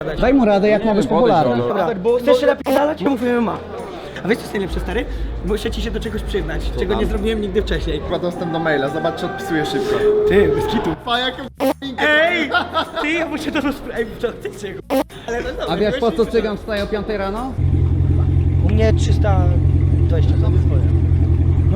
Daj mu radę, jak ma być popularny. Dobra, bo chcesz się napisać? Ja mówię ma. A wiesz co jest najlepsze, stary? Muszę ci się do czegoś przyznać, czego nie zrobiłem nigdy wcześniej. Ma dostęp do maila, zobacz czy odpisuje szybko. Ty, bez kitu. Jaką Ej! Ty, ja muszę to rozprawić, co chcecie, ale no dobra. A wiesz po co cygan wstaje o 5 rano? U mnie 320 zł swoje. No,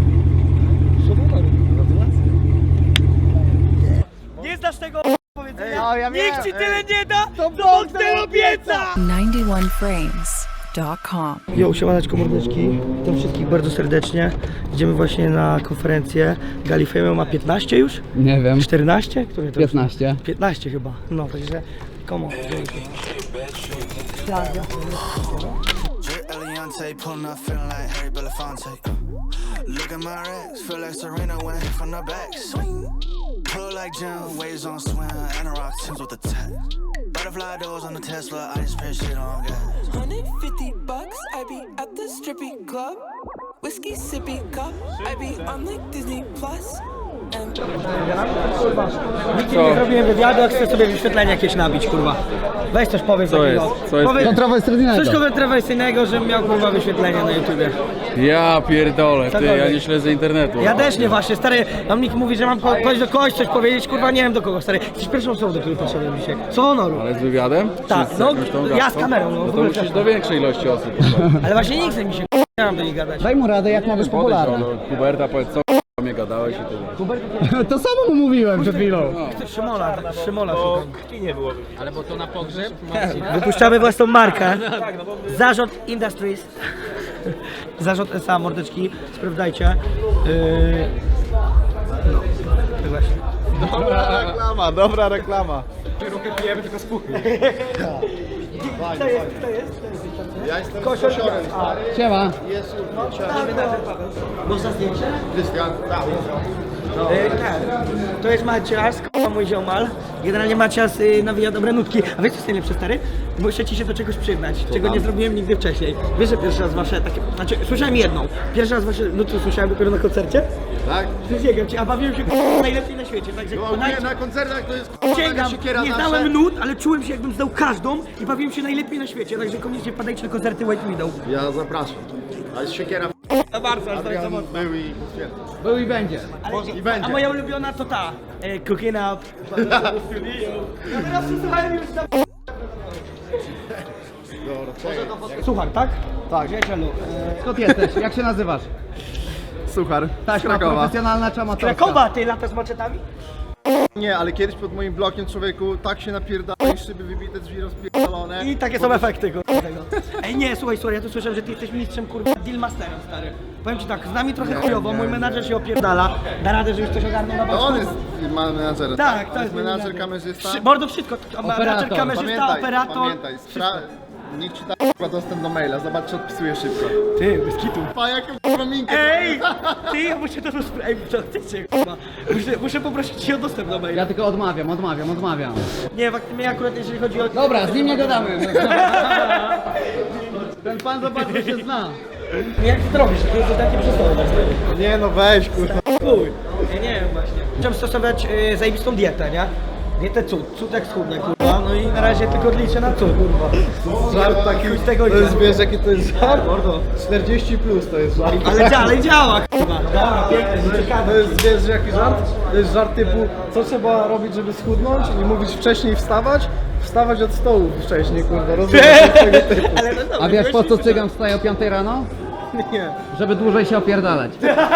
nie znasz tego powiedzenia? Nikt ci tyle nie da, to Bóg tyle obieca! 91frames.com. Jo, siemaneczko mordeczki, witam wszystkich bardzo serdecznie. Idziemy właśnie na konferencję. Galifemio ma 15 już? Nie wiem. 14? Które to 15. 15 chyba, no także come on. Eliante pulling up, feeling like Harry Belafonte. Look at my racks, feel like Serena went from the back. Swing, pull like Jim, waves on swim, and a rock Timbs with the tech. Butterfly doors on the Tesla, I just spent shit on gas. $150, I be at the strippy club. Whiskey sippy cup, I be on like Disney Plus. Nigdy nie zrobiłem wywiadu, jak chcę sobie wyświetlenie jakieś nabić, kurwa. Weź coś powiedz takiego. Co jest? Kontrowersyjnego. Coś kontrowersyjnego, żebym miał kurwa wyświetlenia na YouTubie. Ja pierdolę, ty, ja Cokolwiek. nie śledzę internetu. Ja też nie właśnie, stary, mam nikt mówi, że mam kogoś do kogoś coś powiedzieć, kurwa nie wiem do kogo, stary. Jesteś pierwszą osobą, do której poszedłem dzisiaj. Co honoru. Ale z wywiadem? Tak, Czy z no, jakąś tą ja z gadką? kamerą, no, w No to ogóle musisz też. do większej ilości osób. Ale właśnie nie chce mi się, nie mam do nich gadać. Daj mu radę, jak ma być popularny. Huberta, powiedz co mnie gadałeś i tyle. To samo mu mówiłem przed chwilą. Szymola szukam. Nie było. Ale bo to na pogrzeb? Wypuszczamy własną markę. Zarząd Industries. Zarząd SA, mordeczki, sprawdzajcie. No, tak właśnie. Dobra reklama. Kto jest? Ja jestem Kosior. kosiorem. Siema. Jest Można zdjęcie? Krystian. To jest Macias, mój ziomal. Generalnie Macias nawija dobre nutki. A wiesz co jest najlepsze, stary? Muszę ci się do czegoś przyznać, czego nie zrobiłem nigdy wcześniej. Wiesz, że pierwszy raz wasze takie... Znaczy, słyszałem jedną. Pierwszy raz wasze nutki słyszałem dopiero na koncercie. Tak? Przysięgam ci, a bawiłem się najlepiej na świecie. Także No ogólnie na koncertach to jest sięgam, siekiera nie zawsze. znałem nut, ale czułem się jakbym znał każdą i bawiłem się najlepiej na świecie. Także koniecznie padajcie na koncerty White Widow. Ja zapraszam. A jest siekiera No bardzo, aż tak za Adrian mocno. był i stwierdził. Był i będzie. I będzie. A moja ulubiona to ta, Cooking Up. Ja teraz słuchałem już tam. Słuchaj, tak? Tak. Przyjacielu, Skąd jesteś? Jak się nazywasz? Suchar. Z Taśma Krakowa. profesjonalna czy amatorska? Krakowa, ty lata z maczetami? Nie, ale kiedyś pod moim blokiem człowieku tak się napierdalaj, szyby wybite, drzwi rozpierdolone. I takie są efekty kurwa, tego. Ej nie, słuchaj, ja tu słyszałem, że ty jesteś mistrzem kurwa dealmasterem, stary. Powiem ci tak, z nami trochę chujowo, mój menadżer się opierdala. Da radę, żebyś coś ogarnął na To boczku? on jest menadżerem. Tak, to jest menadżer, kamerzysta. Mordo wszystko, menadżer, kamerzysta, operator. Pamiętaj, niech ci da dostęp do maila, zobacz czy odpisuje szybko. Ty, bez kitu. Jaką minkę. Ej! Ty, ja muszę to rozprawić, co chcecie, kurwa. Muszę poprosić cię o dostęp do maila. Ja tylko odmawiam. Nie, mnie akurat jeżeli chodzi o... Dobra, z nim nie gadamy. Ten pan za bardzo się zna. Jak ty to robisz? To jest takie przystojne. Nie no weź kurwa. Chuj. Ja nie wiem właśnie. Chciałem stosować zajebistą dietę, nie? Dietę cud jak schudnę, kurwa. No i na razie tylko liczę na cud, kurwa. Żart taki, z tego to jest, idzie. wiesz jaki to jest żart? Mordo. 40 plus to jest żart. Ale działa, kurwa. Dobra, pięknie, To ciekawe. jest, wiesz jaki żart? To jest żart typu, co trzeba robić, żeby schudnąć? Nie mówić wcześniej wstawać od stołu wcześniej, kurwa, rozumiesz? Tego typu. Ale no dobra, A wiesz po co byłeś- cygan wstaje o 5 rano? Nie. Żeby dłużej się opierdalać.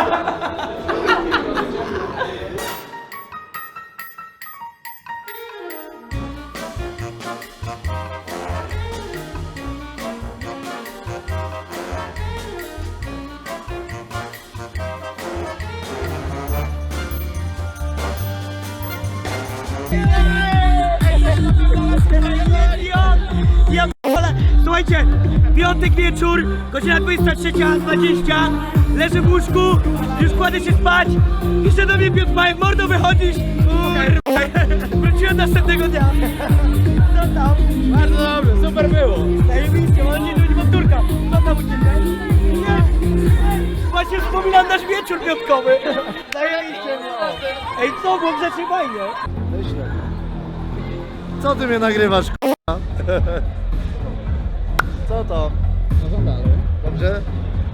Ja p***le. Słuchajcie, piątek wieczór, godzina 23:20, leżę w łóżku, już kładę się spać, pisze do mnie Piotr Majek, mordo wychodzisz? Kurwa, wróciłem następnego dnia. Co tam? Bardzo dobrze, super było. Zajebiście, mam nie ludzi powtórka. Co tam u ciebie? Nie. Właśnie wspominam nasz wieczór piątkowy. Zajebiście było. Ej, co, było grzecznie fajnie. Co ty mnie nagrywasz, k***a? Co to? No dalej. Dobrze?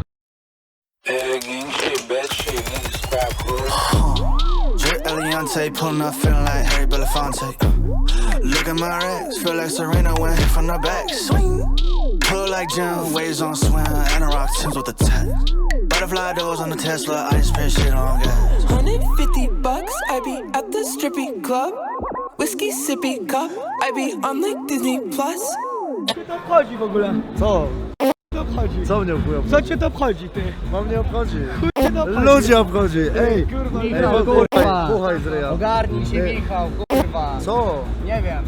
Drake Eliante pulling up, feeling like Harry Belafonte. Look at my racks, feel like Serena when hit from the back. Swing, pull like Jim, waves on swim, and a rock Timbs with the tech. Butterfly doors on the Tesla, I just spend shit on gas. $150, I be at the strippy club. Whiskey sippy cup, I be on like Disney Plus. Co cię to obchodzi w ogóle? Co? Co obchodzi? Co mnie obchodzi? Co cię to obchodzi, ty? Mam nie obchodzi. Chuj cię to obchodzi. Ludzi obchodzi. Ej, Kurwa, ej, Michał, puchaj, kurwa. puchaj z ryja. Ogarnij się, Ej. Michał, kurwa. Co? Nie wiem.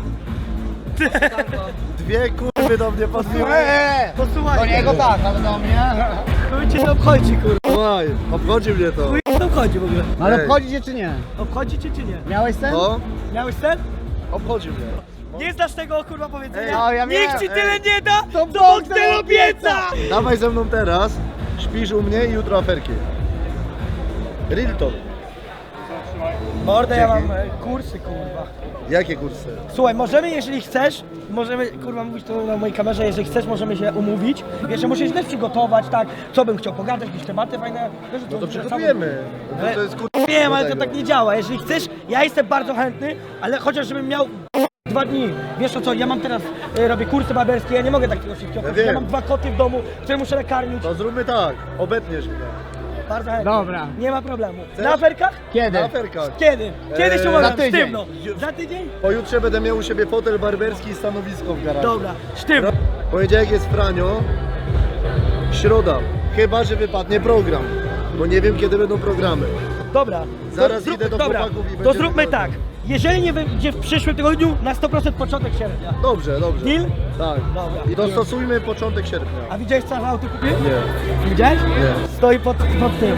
Dwie kurwy do mnie podbiły. Posłuchaj. Do niego tak, ale do mnie. Chuj cię to obchodzi, kurwa. Słuchaj, obchodzi mnie to. Chuj cię to obchodzi w ogóle. No ale Ej. obchodzi cię czy nie? Obchodzi cię czy nie? Miałeś sen? No, Miałeś sen? obchodzi mnie. Nie znasz tego kurwa powiedzenia? Ej, no, ja Nikt miałem. ci tyle nie da, To co Bóg Bóg tyle tyle obieca! Dawaj ze mną teraz, śpisz u mnie i jutro aferki. Real talk. Mordę, ja Dzięki. mam kursy, kurwa. Jakie kursy? Słuchaj, możemy, jeżeli chcesz, możemy, kurwa, mówić to na mojej kamerze, jeżeli chcesz, możemy się umówić. Wiesz, że muszę się też przygotować, tak, co bym chciał pogadać, jakieś tematy fajne. Wiesz, No to przygotujemy. Ale- To jest kurwa. Wiem, ale do to tego. tak nie działa. Jeżeli chcesz, ja jestem bardzo chętny, ale chociaż żebym miał 2 dni. Wiesz o co, ja mam teraz, robię kursy barberskie, ja nie mogę takiego wszystkiego. Ja wiem. mam 2 koty w domu, które muszę nakarmić. To zróbmy tak, obetniesz mnie. Bardzo chętnie. Dobra. Nie ma problemu. Chcesz? Na aferkach? Kiedy? Na aferkach. Kiedy? Kiedy się umawiam? za tydzień. Sztywno. Za tydzień? Pojutrze będę miał u siebie fotel barberski i stanowisko w garażu. Dobra, sztywno. Poniedziałek jest Franio, środa, chyba że wypadnie program, bo nie wiem kiedy będą programy. Dobra. Zaraz To idę do dobra. chłopaków i To będziemy zróbmy rozmawiać. tak. Jeżeli nie będzie w przyszłym tygodniu, na 100% początek sierpnia. Dobrze, dobrze. Deal? Tak. Dobra. I dostosujmy początek sierpnia. A widziałeś co auto kupił? Nie. Widziałeś? Nie. Stoi pod tym.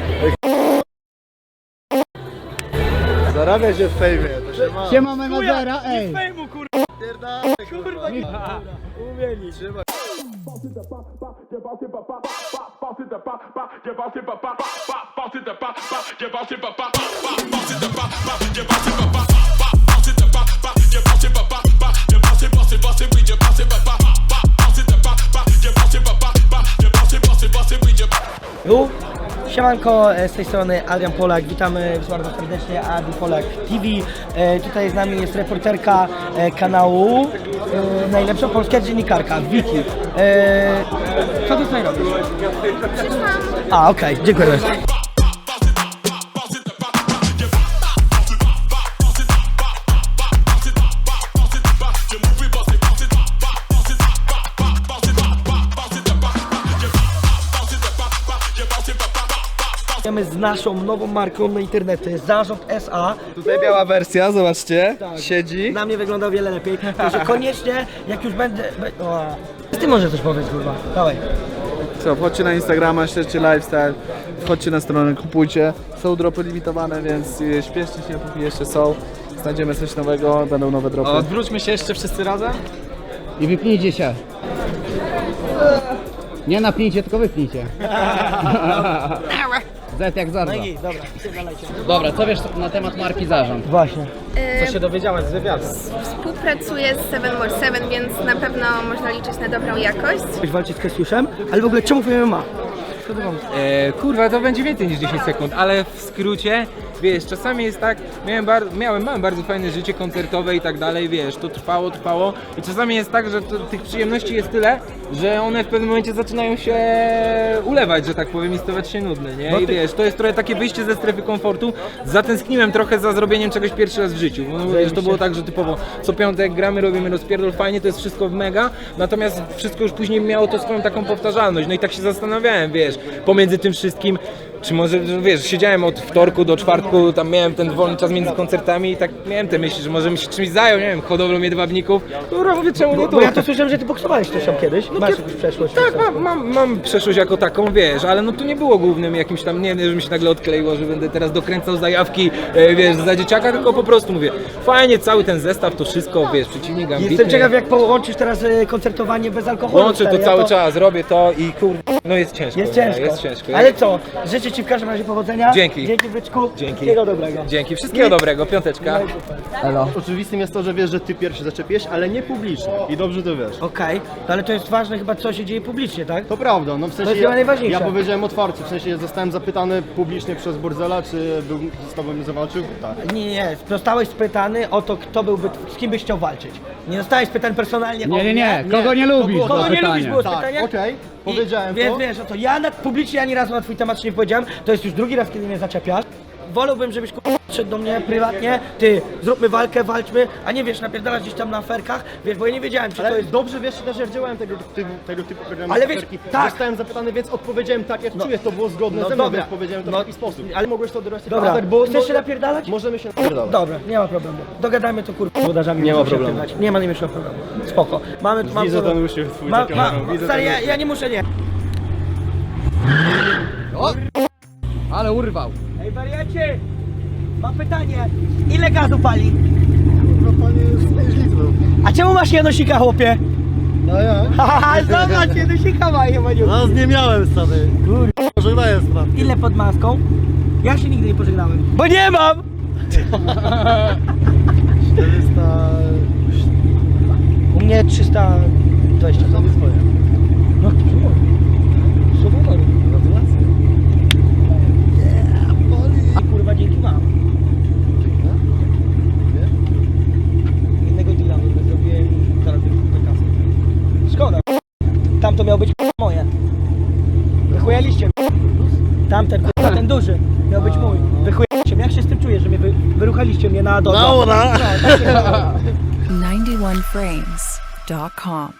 Zarabia się w fejmie, to się ma. Siema menadżera, Nie ej. fejmu, kurwa. Pierdalaj, Kurwa, nie. Dobra. Umieli. Trzymaj. Siemanko, z tej strony Adrian Polak, witamy bardzo serdecznie, Adi Polak TV. Tutaj z nami jest reporterka kanału, najlepsza polska dziennikarka, Wiki. Co ty tutaj robisz? A, okej, dziękuję bardzo. Z naszą nową marką na internety, Zarząd SA. Tutaj biała wersja, zobaczcie. Siedzi. Na mnie wygląda o wiele lepiej, także koniecznie, jak już będę... O, ty może coś powiedz, kurwa, dawaj. Co, wchodźcie na Instagrama, śledźcie lifestyle, wchodźcie na stronę, kupujcie. Są dropy limitowane, więc śpieszcie się, póki jeszcze są. Znajdziemy coś nowego, będą nowe dropy. Odwróćmy się jeszcze wszyscy razem. I wypnijcie się. Nie napnijcie, tylko wypnijcie. Z jak zarza. No i dobra, pierdalajcie. Dobra, co wiesz na temat marki Zarząd? Właśnie. Co się dowiedziałem z wywiadu? Współpracuję z 7more7, więc na pewno można liczyć na dobrą jakość. Ktoś walczyć z Kesiuszem, ale w ogóle czemu MMA? Kurwa, to będzie więcej niż 10 sekund, ale w skrócie, wiesz, czasami jest tak, mam bardzo fajne życie koncertowe i tak dalej, wiesz, to trwało i czasami jest tak, że tych przyjemności jest tyle, że one w pewnym momencie zaczynają się ulewać, że tak powiem, i stawać się nudne, nie? I wiesz, to jest trochę takie wyjście ze strefy komfortu. Zatęskniłem trochę za zrobieniem czegoś pierwszy raz w życiu, bo wiesz, to było tak, że typowo co piątek gramy, robimy rozpierdol, fajnie, to jest wszystko mega, natomiast wszystko już później miało to swoją taką powtarzalność, no i tak się zastanawiałem, wiesz, pomiędzy tym wszystkim, czy może, wiesz, siedziałem od wtorku do czwartku, tam miałem ten wolny czas między koncertami i tak miałem te myśli, że może bym się czymś zajął, nie wiem, hodowlą jedwabników. Dobra, mówię, czemu nie tu? Bo ja to słyszałem, że ty boksowałeś też tam kiedyś. Masz jakąś przeszłość? Tak, mam przeszłość jako taką, wiesz, ale no to nie było głównym jakimś tam, nie wiem, że mi się nagle odkleiło, że będę teraz dokręcał zajawki, wiesz, za dzieciaka, tylko po prostu mówię, fajnie, cały ten zestaw, to wszystko, wiesz, przeciwnik ambitny. Jestem ciekaw, jak połączysz teraz koncertowanie bez alkoholu. Łączę to stary, cały ja czas, robię to i kurde, no jest ciężko. Jest ciężko. Jest ciężko. Ale co? Życie Życzę ci w każdym razie powodzenia. Dzięki. Dzięki byczku. Dzięki. Wszystkiego dobrego. Dzięki, wszystkiego dobrego, piąteczka. Elo. Oczywistym jest to, że wiesz, że ty pierwszy zaczepiłeś, ale nie publicznie. I dobrze to wiesz. Okej, no ale to jest ważne chyba, co się dzieje publicznie, tak? To prawda, no w sensie jest chyba najważniejsze. ja powiedziałem otwarcie, w sensie zostałem zapytany publicznie przez Bordzela, czy z tobą zawalczył? Tak. Nie, zostałeś spytany o to, kto byłby, z kim byś chciał walczyć. Nie zostałeś pytany personalnie o Nie. Kogo nie lubisz? było- było Kogo nie lubisz pytanie. było Tak, pytanie? okej, powiedziałem Więc to. wiesz, o to ja publicznie ani razu na twój temat się nie powiedziałem, to jest już drugi raz, kiedy mnie zaczepiasz. Wolałbym, żebyś przyszedł do mnie prywatnie, ty, zróbmy walkę, walczmy, a nie wiesz, napierdalasz gdzieś tam na aferkach, wiesz, bo ja nie wiedziałem, czy to Ale jest... dobrze wiesz też, jak działałem tego typu programów. Ale wiesz, tak. Zostałem zapytany, więc odpowiedziałem tak, jak czuję, to było zgodne no ze mną, dobra. więc powiedziałem to w No, taki sposób. ale Ale mogłeś to odebrać jako Dobra, atak, bo chcesz się napierdalać? Możemy się napierdalać. Dobra, nie ma problemu. Dogadajmy to kurwa z wodarzami. Nie ma możemy się problemu. napierdalać. Nie ma najmniejszego problemu. Spoko. Mamy Widzę ten uśmiech twój za kamerą, widzę Stary, ten ja nie muszę, nie. Ale urwał. Ej, wariacie! Mam pytanie. Ile gazu pali? No panie jest 5 litrów. A czemu masz janosika, chłopie? No ja? Haha, zobacz, janosika ma, jemaniu. No nie miałem stary. Kurwa, pożegnaję sprawę. Ile pod maską? Ja się nigdy nie pożegnałem. Bo nie mam! 400... U mnie 320. To jest moje. No, super. Gratulacje. A kurwa, dzięki mam. Innego deala zrobiłem i teraz bym kasy. Szkoda. Tam to miało być moje. Wychujaliście mnie. Tamten, kurwa, ten duży miał być mój. Wychujaliście mnie. Jak się z tym czujesz, że mnie wyruchaliście mnie na dole? Dobra. 91frames.com